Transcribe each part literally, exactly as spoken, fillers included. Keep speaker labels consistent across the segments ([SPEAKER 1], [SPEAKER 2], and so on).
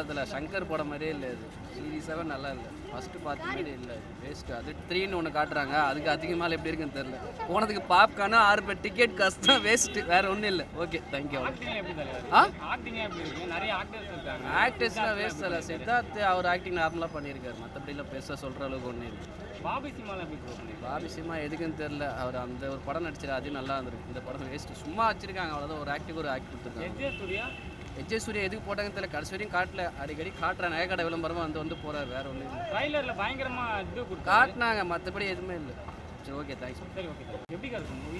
[SPEAKER 1] படத்தில் சங்கர் படம் மாதிரியே இல்லை இது சீரியஸாகவே நல்லா இல்லை ஃபஸ்ட்டு பார்த்த மாதிரி இல்லை வேஸ்ட்டு அது த்ரீன்னு ஒன்று காட்டுறாங்க அதுக்கு அதிகமாக எப்படி இருக்குன்னு தெரில போனதுக்கு பாப்கார்னா ஆறு பேர் டிக்கெட் காசு தான் வேஸ்ட்டு வேறு ஒன்றும் இல்லை ஓகே தேங்க்யூ ஆ ஆக்டர்ஸ்லாம் வேஸ்ட் இல்லை சித்தார்த் அவர் ஆக்டிங் நார்மலாக பண்ணியிருக்காரு மற்றபடியில் பெருசாக சொல்கிற அளவுக்கு ஒன்றும் இல்லை
[SPEAKER 2] பாபி சினிமாவில் எப்படி ப்ரூவ்
[SPEAKER 1] பாபி சினிமா எதுக்குன்னு தெரில அவர் அந்த ஒரு படம் நடிச்சார் அதுவும் நல்லா இருந்திருக்கு இந்த படம் வேஸ்ட்டு சும்மா வச்சிருக்காங்க அவ்வளோதான் ஒரு ஆக்டிங் ஒரு ஆக்ட் கொடுத்துருக்காங்க எஜ்ஜே சூர்யா எதுக்கு போட்டாங்கன்னு தெரியல கடைசி வரையும் காட்டல அடிக்கடி காட்டுற நகைக்கடை விளம்பரமாக வந்து வந்து போகிறார் வேறு ஒன்றும் இல்லை
[SPEAKER 2] ட்ரைலரில் பயங்கரமாக இது
[SPEAKER 1] காட்டினாங்க மற்றபடி எதுவுமே இல்லை சரி ஓகே தேங்க்ஸ்
[SPEAKER 2] சரி ஓகே எப்படி இருக்கும் மூவி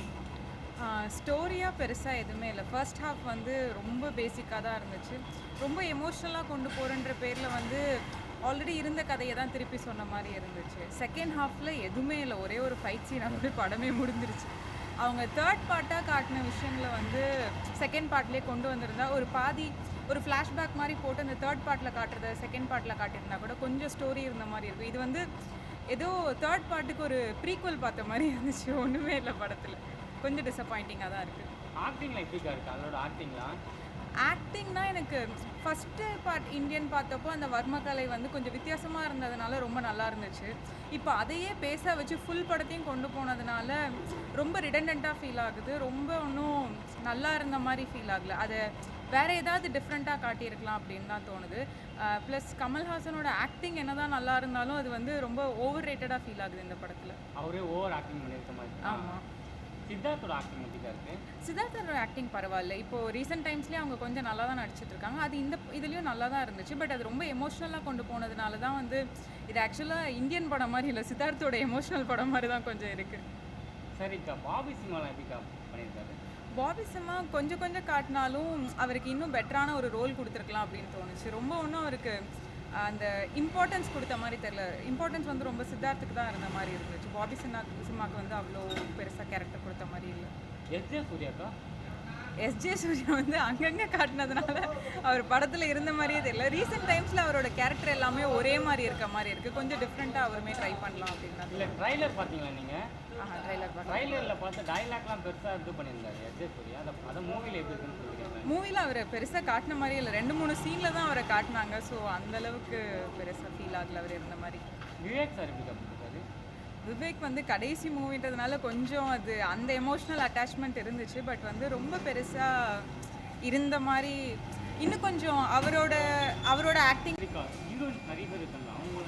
[SPEAKER 3] ஸ்டோரியாக பெருசாக எதுவுமே இல்லை ஃபர்ஸ்ட் ஹாஃப் வந்து ரொம்ப பேசிக்காக தான் இருந்துச்சு ரொம்ப எமோஷ்னலாக கொண்டு போகிறன்ற பேரில் வந்து ஆல்ரெடி இருந்த கதையை தான் திருப்பி சொன்ன மாதிரி இருந்துச்சு செகண்ட் ஹாஃபில் எதுவுமே இல்லை ஒரே ஒரு ஃபைட் சீன் அப்படி படமே முடிஞ்சிருச்சு அவங்க தேர்ட் பார்ட்டாக காட்டின விஷயங்களை வந்து செகண்ட் பார்ட்லேயே கொண்டு வந்திருந்தா ஒரு பாதி ஒரு ஃப்ளாஷ்பேக் மாதிரி போட்டு அந்த தேர்ட் பார்ட்டில் காட்டுறத செகண்ட் பார்ட்டில் காட்டியிருந்தா கூட கொஞ்சம் ஸ்டோரி இருந்த மாதிரி இருக்கும் இது வந்து ஏதோ தேர்ட் பார்ட்டுக்கு ஒரு ப்ரீக்வல் பார்த்த மாதிரி இருந்துச்சு ஒன்றுமே இல்லை படத்தில் கொஞ்சம் டிசப்பாயிண்டிங்காக தான் இருக்குது
[SPEAKER 2] ஆக்டிங்கில் எப்படிக்கா இருக்குது அதோட ஆக்டிங்லாம்
[SPEAKER 3] ஆக்டிங்னா எனக்கு ஃபஸ்ட்டு பார்ட் இந்தியன் பார்த்தப்போ அந்த வர்மக்கலை வந்து கொஞ்சம் வித்தியாசமாக இருந்ததுனால ரொம்ப நல்லா இருந்துச்சு இப்போ அதையே பேச வச்சு ஃபுல் படத்தையும் கொண்டு போனதுனால ரொம்ப ரிடண்டண்ட்டாக ஃபீல் ஆகுது ரொம்ப ஒன்றும் நல்லா இருந்த மாதிரி ஃபீல் ஆகலை அதை வேறு ஏதாவது டிஃப்ரெண்ட்டாக காட்டியிருக்கலாம் அப்படின்னு தான் தோணுது ப்ளஸ் கமல்ஹாசனோட ஆக்டிங் என்ன தான் நல்லா இருந்தாலும் அது வந்து ரொம்ப ஓவர் ரேட்டடாக ஃபீல் ஆகுது இந்த படத்தில்
[SPEAKER 2] அவரே ஓவர் ஆக்டிங் பண்ணியிருக்க மாதிரி
[SPEAKER 3] ஆமாம்
[SPEAKER 2] சித்தார்த்தோட ஆக்டிங் எப்படிக்கா இருக்குது
[SPEAKER 3] சித்தார்த்தோட ஆக்டிங் பரவாயில்ல இப்போது ரீசெண்ட் டைம்ஸ்லேயே அவங்க கொஞ்சம் நல்லா தான் நடிச்சிட்டு இருக்காங்க அது இந்த இதுலேயும் நல்லா தான் இருந்துச்சு பட் அது ரொம்ப எமோஷ்னலாக கொண்டு போனதுனால தான் வந்து இது ஆக்சுவலாக இந்தியன் படம் மாதிரி இல்லை சித்தார்த்தோட எமோஷ்னல் படம் மாதிரி தான் கொஞ்சம் இருக்குது
[SPEAKER 2] சரிக்கா பாபி சினிமாலாம் எப்படிக்கா பண்ணியிருக்காரு
[SPEAKER 3] பாபி சினிமா கொஞ்சம் கொஞ்சம் காட்டினாலும் அவருக்கு இன்னும் பெட்டரான ஒரு ரோல் கொடுத்துருக்கலாம் அப்படின்னு தோணுச்சு ரொம்ப ஒன்றும் அவருக்கு அந்த இம்பார்ட்டன்ஸ் கொடுத்த மாதிரி தெரில இம்பார்ட்டன்ஸ் வந்து ரொம்ப சித்தார்த்துக்கு தான் இருந்த மாதிரி இருந்துச்சு பாபி சினிமா சினிமாவுக்கு வந்து அவ்வளோ பெருசாக கேரக்டர் கொடுத்த மாதிரி இல்லை
[SPEAKER 2] எஸ்ஜே சூர்யாக்கா
[SPEAKER 3] எஸ்ஜே சூர்யா வந்து அங்கங்கே காட்டினதுனால அவர் படத்தில் இருந்த மாதிரியே தெரியல ரீசெண்ட் டைம்ஸில் அவரோட கேரக்டர் எல்லாமே ஒரே மாதிரி இருக்க மாதிரி இருக்குது கொஞ்சம் டிஃப்ரெண்ட்டாக அவருமே ட்ரை பண்ணலாம் அப்படின்னா
[SPEAKER 2] இல்லை ட்ரைலர் பார்த்தீங்களா நீங்கள்
[SPEAKER 3] ஆஹா ட்ரைலர் பார்த்து
[SPEAKER 2] ட்ரைலரில் பார்த்து டைலாக்லாம் பெருசாக இது பண்ணியிருந்தாரு எஸ்ஜே சூர்யா அதை அதை மூவியில் எப்படி இருக்குன்னு சொல்லியிருக்காங்க
[SPEAKER 3] மூவியில் அவரை பெருசாக காட்டின மாதிரி இல்லை ரெண்டு மூணு சீனில் தான் அவரை காட்டினாங்க ஸோ அந்தளவுக்கு பெருசாக ஃபீல் ஆகல அவர் இருந்த மாதிரி
[SPEAKER 2] விவேக் சார் எப்படி பண்ணியிருக்காரு
[SPEAKER 3] விவேக் வந்து கடைசி மூவின்றதுனால கொஞ்சம் அது அந்த எமோஷ்னல் அட்டாச்மெண்ட் இருந்துச்சு பட் வந்து ரொம்ப பெருசாக இருந்த மாதிரி இன்னும் கொஞ்சம் அவரோட அவரோட ஆக்டிங்
[SPEAKER 2] ஹீரோயின் நிறைய பேர் இருக்காங்க அவங்க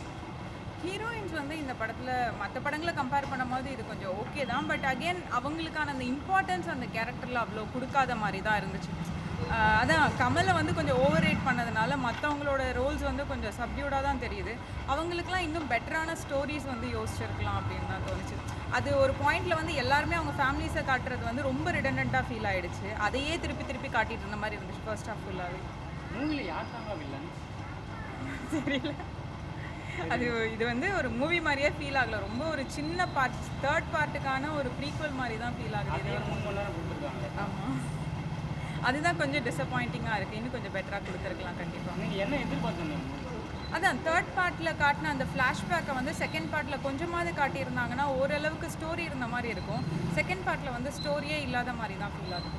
[SPEAKER 3] ஹீரோயின்ஸ் வந்து இந்த படத்தில் மற்ற படங்களை கம்பேர் பண்ணும்போது இது கொஞ்சம் ஓகே தான் பட் அகெயின் அவங்களுக்கான அந்த இம்பார்ட்டன்ஸ் அந்த கேரக்டரில் அவ்வளோ கொடுக்காத மாதிரி தான் இருந்துச்சு அதான் கமலை வந்து கொஞ்சம் ஓவர் ரேட் பண்ணதுனால மற்றவங்களோட ரோல்ஸ் வந்து கொஞ்சம் சப்டியூடாக தான் தெரியுது அவங்களுக்குலாம் இன்னும் பெட்டரான ஸ்டோரிஸ் வந்து யோசிச்சிருக்கலாம் அப்படின்னு தான் தோணுச்சு அது ஒரு பாயிண்டில் வந்து எல்லாருமே அவங்க ஃபேமிலிஸை காட்டுறது வந்து ரொம்ப ரிடண்டண்ட்டாக ஃபீல் ஆகிடுச்சு அதையே திருப்பி திருப்பி காட்டிட்டு இருந்த மாதிரி இருந்துச்சு ஃபர்ஸ்ட் ஆஃப் ஃபுல்லாகவே
[SPEAKER 2] மூவியில் யார் தாங்க வில்லன்
[SPEAKER 3] தெரியல அது இது வந்து ஒரு மூவி மாதிரியே ஃபீல் ஆகல ரொம்ப ஒரு சின்ன பார்ட் தேர்ட் பார்ட்டுக்கான ஒரு ப்ரீக்வல் மாதிரி தான் ஃபீல் ஆகுது
[SPEAKER 2] மூணு மணி நேரம் கொடுத்துருக்காங்க
[SPEAKER 3] ஆமாம் அதுதான் கொஞ்சம் டிசப்பாயிண்டிங்காக இருக்குது இன்னும் கொஞ்சம் பெட்டராக கொடுத்துருக்கலாம் கண்டிப்பாக
[SPEAKER 2] நீங்கள் என்ன எதிர்பார்த்தீங்க
[SPEAKER 3] அதான் தேர்ட் பார்ட்டில் காட்டின அந்த ஃப்ளாஷ்பேக்கை வந்து செகண்ட் பார்ட்டில் கொஞ்சமாவது காட்டியிருந்தாங்கன்னா ஓரளவுக்கு ஸ்டோரி இருந்த மாதிரி இருக்கும் செகண்ட் பார்ட்டில் வந்து ஸ்டோரியே இல்லாத மாதிரி தான் ஃபீல் ஆகுது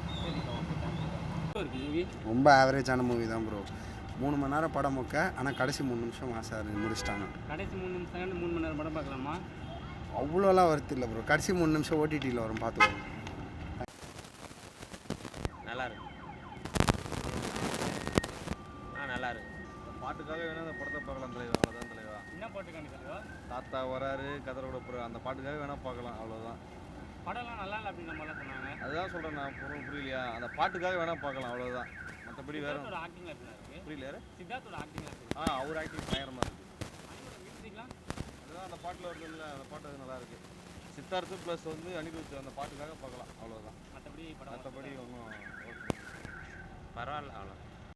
[SPEAKER 4] ரொம்ப ஆவரேஜான மூவி தான் ப்ரோ மூணு மணி நேரம் படம் மொக்க ஆனால் கடைசி மூணு நிமிஷம் மாசார் முடிச்சிட்டாங்க
[SPEAKER 2] கடைசி மூணு நிமிஷம் மூணு மணி நேரம் படம் பார்க்கலாமா
[SPEAKER 4] அவ்வளோலாம் வருது இல்லை ப்ரோ கடைசி மூணு நிமிஷம் ஓடிடியில் வரும் பார்த்துக்கோங்க
[SPEAKER 5] நல்லா இருக்கு ஆ நல்லா இருக்கு
[SPEAKER 6] பாட்டுக்காக வேணா அந்த படத்தை பார்க்கலாம் தலைவா அவ்வளோதான் தலைவா
[SPEAKER 2] என்ன பாட்டு காமிக்கிறதோ
[SPEAKER 6] தாத்தா வராரு கதரோட போகிற அந்த பாட்டுக்காக வேணா பார்க்கலாம் அவ்வளோதான்
[SPEAKER 2] படம்லாம் நல்லா இல்லை அப்படின்னு நம்மளாம் சொன்னாங்க
[SPEAKER 6] அதுதான் சொல்கிறேன் நான் பொருள் புரியலையா அந்த பாட்டுக்காக வேணா பார்க்கலாம் அவ்வளோதான் மற்றபடி வேற
[SPEAKER 2] ஆக்டிங் இருக்கு
[SPEAKER 6] புரியல யாரு
[SPEAKER 2] சித்தார்த்தோட ஆக்டிங் இருக்கு
[SPEAKER 6] ஆ அவர் ஆக்டிங் பயங்கரமாக இருக்குது
[SPEAKER 2] மியூசிக்லாம்
[SPEAKER 6] அதுதான் அந்த பாட்டில் வருது இல்லை அந்த பாட்டு அது நல்லா இருக்குது சித்தார்த்து ப்ளஸ் வந்து அனிருத் அந்த பாட்டுக்காக பார்க்கலாம் அவ்வளோதான்
[SPEAKER 2] மற்றபடி படம்
[SPEAKER 6] மற்றபடி ஒன்றும்
[SPEAKER 5] பரவாயில்ல அவ்வளோ